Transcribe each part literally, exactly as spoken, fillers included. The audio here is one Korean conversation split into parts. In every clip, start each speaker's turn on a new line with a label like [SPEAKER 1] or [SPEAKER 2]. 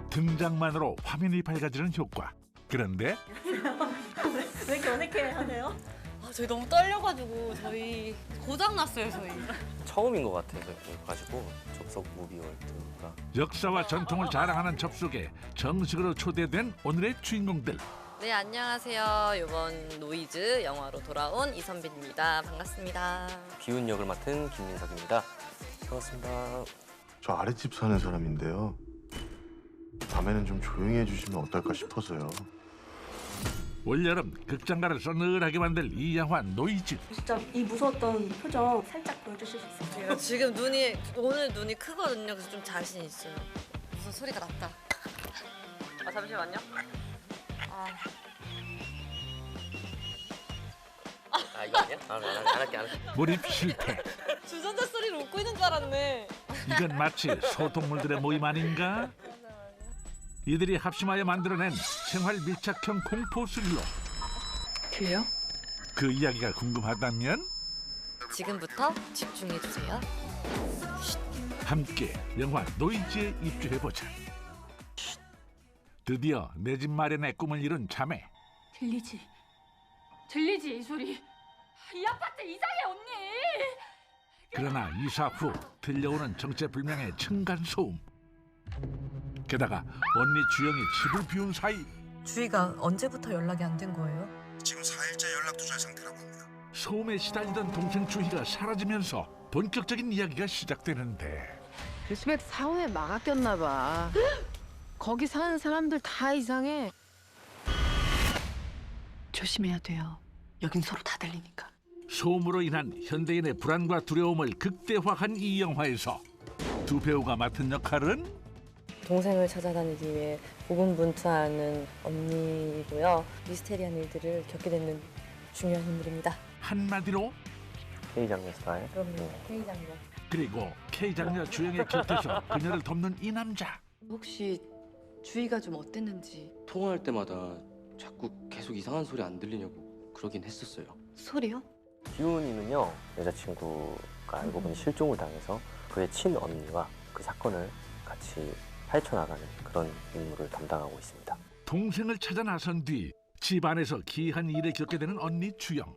[SPEAKER 1] 등장만으로 화면이 밝아지는 효과. 그런데
[SPEAKER 2] 왜 이렇게 어색해 하세요?
[SPEAKER 3] 아, 저희 너무 떨려가지고 저희 고장 났어요 저희.
[SPEAKER 4] 처음인 것 같아서 가지고 접속 무비 월드가
[SPEAKER 1] 역사와 전통을 자랑하는 접속에 정식으로 초대된 오늘의 주인공들.
[SPEAKER 3] 네 안녕하세요. 이번 노이즈 영화로 돌아온 이선빈입니다. 반갑습니다.
[SPEAKER 4] 기훈 역을 맡은 김민석입니다. 반갑습니다.
[SPEAKER 5] 저 아랫집 사는 사람인데요. 밤에는 좀 조용히 해주시면 어떨까 싶어서요.
[SPEAKER 1] 올여름 극장가를 서늘하게 만들 이 영화 노이즈.
[SPEAKER 2] 진짜 이 무서웠던 표정 살짝 보여주실 수 있어요?
[SPEAKER 3] 제가 지금 눈이 오늘 눈이 크거든요. 그래서 좀 자신 있어요. 무슨 소리가 났다. 아 잠시만요. 아,
[SPEAKER 4] 아 이거 아니야? 아, 안, 안, 안 할게 안 할게.
[SPEAKER 1] 몰입 실패.
[SPEAKER 3] 주전자 소리를 웃고 있는 줄 알았네.
[SPEAKER 1] 이건 마치 소동물들의 모임 아닌가? 이들이 합심하여 만들어낸 생활 밀착형 공포 스릴러.
[SPEAKER 6] 들려?
[SPEAKER 1] 그 이야기가 궁금하다면
[SPEAKER 3] 지금부터 집중해 주세요.
[SPEAKER 1] 함께 영화 노이즈에 입주해보자. 드디어 내 집 마련의 꿈을 이룬 자매.
[SPEAKER 6] 들리지? 들리지 이 소리? 이 아파트 이상해 언니!
[SPEAKER 1] 그러나 이사 후 들려오는 정체불명의 층간소음. 게다가 언니 주영이 집을 비운 사이
[SPEAKER 3] 주희가 언제부터 연락이 안 된 거예요?
[SPEAKER 5] 지금 사 일째 연락 두절 상태라고 합니다.
[SPEAKER 1] 소음에 시달리던 동생 주희가 사라지면서 본격적인 이야기가 시작되는데
[SPEAKER 7] 요즘에 사원에 막아 꼈나 봐. 거기 사는 사람들 다 이상해.
[SPEAKER 6] 조심해야 돼요. 여긴 서로 다 들리니까.
[SPEAKER 1] 소음으로 인한 현대인의 불안과 두려움을 극대화한 이 영화에서 두 배우가 맡은 역할은
[SPEAKER 3] 동생을 찾아다니기 위해 고군분투하는 언니이고요. 미스테리한 일들을 겪게 되는 중요한 인물입니다.
[SPEAKER 1] 한마디로
[SPEAKER 4] K 장르 스타일.
[SPEAKER 3] 그럼요. K 장르.
[SPEAKER 1] 그리고 K 장녀 주영의 곁에서 그녀를 돕는 이 남자.
[SPEAKER 6] 혹시 주희가 좀 어땠는지.
[SPEAKER 8] 통화할 때마다 자꾸 계속 이상한 소리 안 들리냐고 그러긴 했었어요.
[SPEAKER 6] 소리요?
[SPEAKER 4] 기훈이는요 여자친구가 알고 보니 실종을 당해서 그의 친언니와 그 사건을 같이 헤쳐나가는 그런 임무를 담당하고 있습니다.
[SPEAKER 1] 동생을 찾아 나선 뒤 집안에서 기이한 일을 겪게 되는 언니 주영.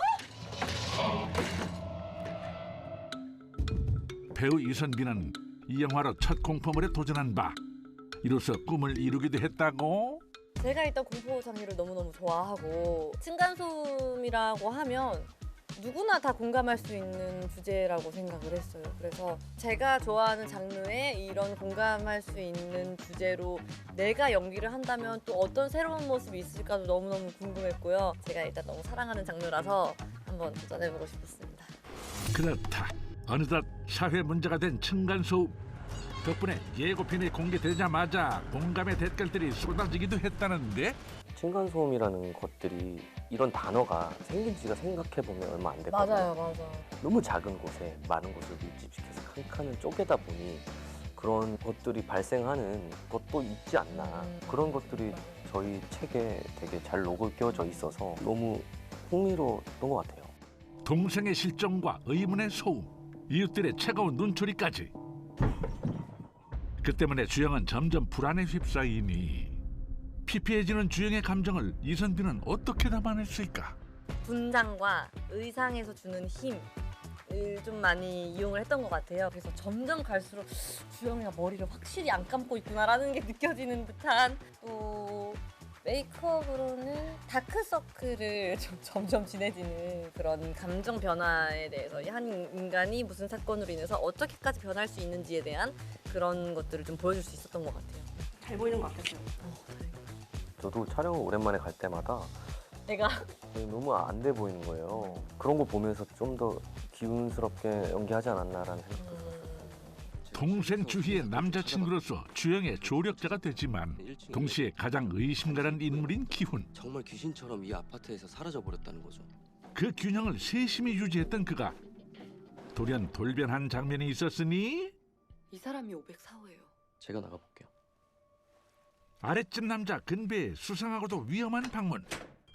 [SPEAKER 1] 배우 이선빈은 이 영화로 첫 공포물에 도전한 바 이로써 꿈을 이루기도 했다고.
[SPEAKER 3] 제가 일단 공포 장르를 너무너무 좋아하고 층간소음이라고 하면 누구나 다 공감할 수 있는 주제라고 생각을 했어요. 그래서 제가 좋아하는 장르에 이런 공감할 수 있는 주제로 내가 연기를 한다면 또 어떤 새로운 모습이 있을까도 너무너무 궁금했고요. 제가 일단 너무 사랑하는 장르라서 한번 도전해보고 싶었습니다.
[SPEAKER 1] 그렇다. 어느덧 사회 문제가 된 층간소음. 덕분에 예고편이 공개되자마자 공감의 댓글들이 쏟아지기도 했다는데
[SPEAKER 4] 층간소음이라는 것들이 이런 단어가 생긴 지가 생각해보면 얼마 안 됐거든요.
[SPEAKER 3] 맞아요, 맞아요.
[SPEAKER 4] 너무 작은 곳에 많은 곳을 밀집시켜서 한 칸을 쪼개다 보니 그런 것들이 발생하는 것도 있지 않나.
[SPEAKER 3] 음.
[SPEAKER 4] 그런 것들이 저희 책에 되게 잘 녹여져 있어서 너무 흥미로웠던 것 같아요.
[SPEAKER 1] 동생의 실종과 의문의 소음, 이웃들의 차가운 눈초리까지. 그 때문에 주영은 점점 불안에 휩싸이니 피폐해지는 주영의 감정을 이선빈은 어떻게 담아냈을까?
[SPEAKER 3] 분장과 의상에서 주는 힘을 좀 많이 이용을 했던 것 같아요. 그래서 점점 갈수록 주영이가 머리를 확실히 안 감고 있구나라는 게 느껴지는 듯한 또 메이크업으로는 다크서클을 좀 점점 진해지는 그런 감정 변화에 대해서 한 인간이 무슨 사건으로 인해서 어떻게까지 변할 수 있는지에 대한 그런 것들을 좀 보여줄 수 있었던 것 같아요.
[SPEAKER 2] 잘 보이는 것 같았어요.
[SPEAKER 4] 저도 촬영을 오랜만에 갈 때마다
[SPEAKER 3] 내가
[SPEAKER 4] 너무 안 돼 보이는 거예요. 그런 거 보면서 좀 더 기운스럽게 연기하지 않았나라는 생각도 들었어요.
[SPEAKER 1] 동생 주희의 남자친구로서 주영의 조력자가 되지만 동시에 가장 의심가는 인물인 기훈.
[SPEAKER 8] 정말 귀신처럼 이 아파트에서 사라져 버렸다는 거죠.
[SPEAKER 1] 그 균형을 세심히 유지했던 그가 돌연 돌변한 장면이 있었으니
[SPEAKER 6] 이 사람이 오백사 호예요.
[SPEAKER 8] 제가 나가볼게요.
[SPEAKER 1] 아랫집 남자 근배의 수상하고도 위험한 방문.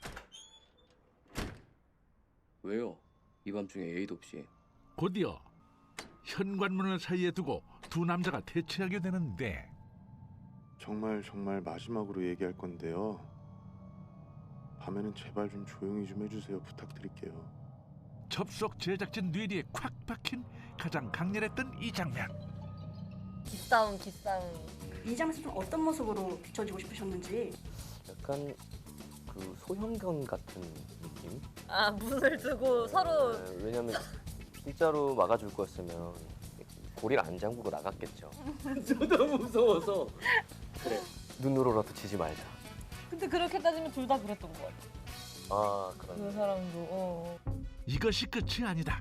[SPEAKER 8] 왜요? 이 밤중에 에이도 없이.
[SPEAKER 1] 곧이어 현관문을 사이에 두고 두 남자가 대치하게 되는데
[SPEAKER 5] 정말 정말 마지막으로 얘기할 건데요. 밤에는 제발 좀 조용히 좀 해주세요. 부탁드릴게요.
[SPEAKER 1] 접속 제작진 뇌리에 콱 박힌 가장 강렬했던 이 장면.
[SPEAKER 3] 기싸움 기싸움.
[SPEAKER 2] 이 장면에서 좀 어떤 모습으로 비춰지고 싶으셨는지.
[SPEAKER 4] 약간 그 소형견 같은 느낌?
[SPEAKER 3] 아 문을 두고 서로
[SPEAKER 4] 네, 왜냐면 진짜로 막아줄 거였으면 고리를 안 잠그고 나갔겠죠.
[SPEAKER 8] 저도 무서워서.
[SPEAKER 4] 그래. 눈으로라도 치지 말자.
[SPEAKER 3] 근데 그렇게 따지면 둘 다 그랬던 것 같아.
[SPEAKER 4] 아
[SPEAKER 3] 그
[SPEAKER 4] 그런.
[SPEAKER 3] 사람도 어.
[SPEAKER 1] 이것이 끝이 아니다.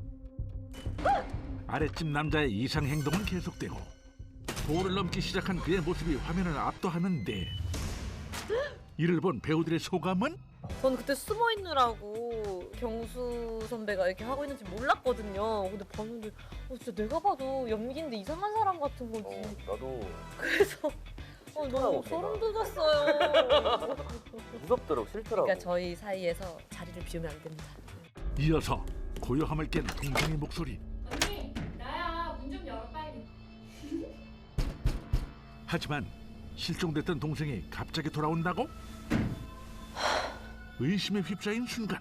[SPEAKER 1] 아랫집 남자의 이상 행동은 계속되고 도를 넘기 시작한 그의 모습이 화면을 압도하는데 이를 본 배우들의 소감은?
[SPEAKER 3] 저는 그때 숨어 있느라고 경수 선배가 이렇게 하고 있는지 몰랐거든요. 근데 봤는데 어, 진짜 내가 봐도 연기인데 이상한 사람 같은 거지.
[SPEAKER 4] 어, 나도
[SPEAKER 3] 그래서 어, 너무 소름 돋았어요.
[SPEAKER 4] 무섭더라고, 싫더라고.
[SPEAKER 3] 그러니까 저희 사이에서 자리를 비우면 안 됩니다.
[SPEAKER 1] 이어서 고요함을 깬 동생의 목소리.
[SPEAKER 6] 언니, 나야. 문 좀 열어 빨리.
[SPEAKER 1] 하지만 실종됐던 동생이 갑자기 돌아온다고? 의심에 휩싸인 순간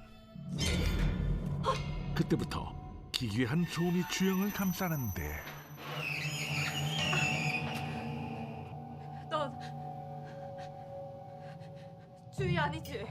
[SPEAKER 1] 그때부터 기괴한 소음이 주영을 감싸는데
[SPEAKER 6] 넌 주희 아니지?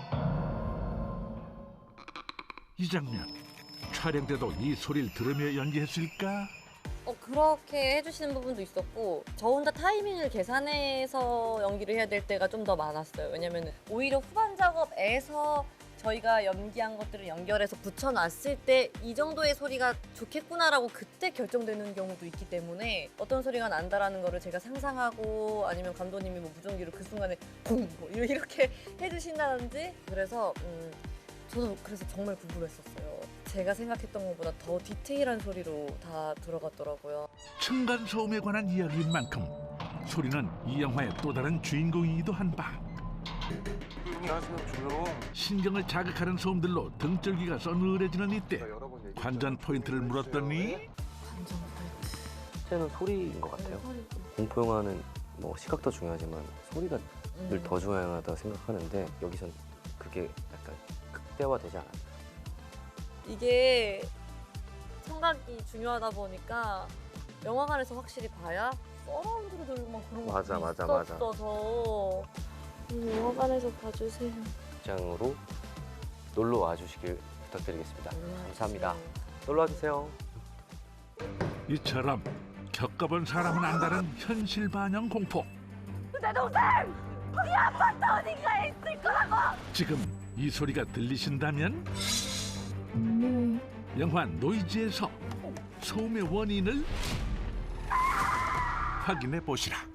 [SPEAKER 1] 이 장면 촬영 때도 이 소리를 들으며 연기했을까?
[SPEAKER 3] 어 그렇게 해주시는 부분도 있었고 저 혼자 타이밍을 계산해서 연기를 해야 될 때가 좀 더 많았어요. 왜냐면 오히려 후반 작업에서 저희가 연기한 것들을 연결해서 붙여놨을 때 이 정도의 소리가 좋겠구나라고 그때 결정되는 경우도 있기 때문에 어떤 소리가 난다라는 거를 제가 상상하고 아니면 감독님이 뭐 무전기로 그 순간에 쿵 뭐 이렇게 해주신다든지 그래서 음, 저도 그래서 정말 궁금했었어요. 제가 생각했던 것보다 더 디테일한 소리로 다 들어갔더라고요.
[SPEAKER 1] 층간 소음에 관한 이야기인 만큼 소리는 이 영화의 또 다른 주인공이기도 한 바. 신경을 자극하는 소음들로 등줄기가 서늘해지는 이때 관전 포인트를 물었더니
[SPEAKER 4] 실제는 소리인 것 같아요. 공포 영화는 뭐 시각도 중요하지만 소리가 늘 더 중요하다고 생각하는데 여기선 그게 약간 극대화되지 않아요.
[SPEAKER 3] 이게 청각이 중요하다 보니까 영화관에서 확실히 봐야 서라운드로 들고 막 그런 거
[SPEAKER 4] 맞아, 맞아, 맞아.
[SPEAKER 3] 있었어서 음, 영화관에서 봐주세요.
[SPEAKER 4] 극장으로 놀러 와주시길 부탁드리겠습니다. 감사합니다. 놀러 와주세요.
[SPEAKER 1] 이처럼 겪어본 사람은 안다는 현실 반영 공포.
[SPEAKER 3] 내 동생! 거기 아파트 어딘가에 있을 거라고!
[SPEAKER 1] 지금 이 소리가 들리신다면 영화 노이즈에서 소음의 원인을 확인해 보시라.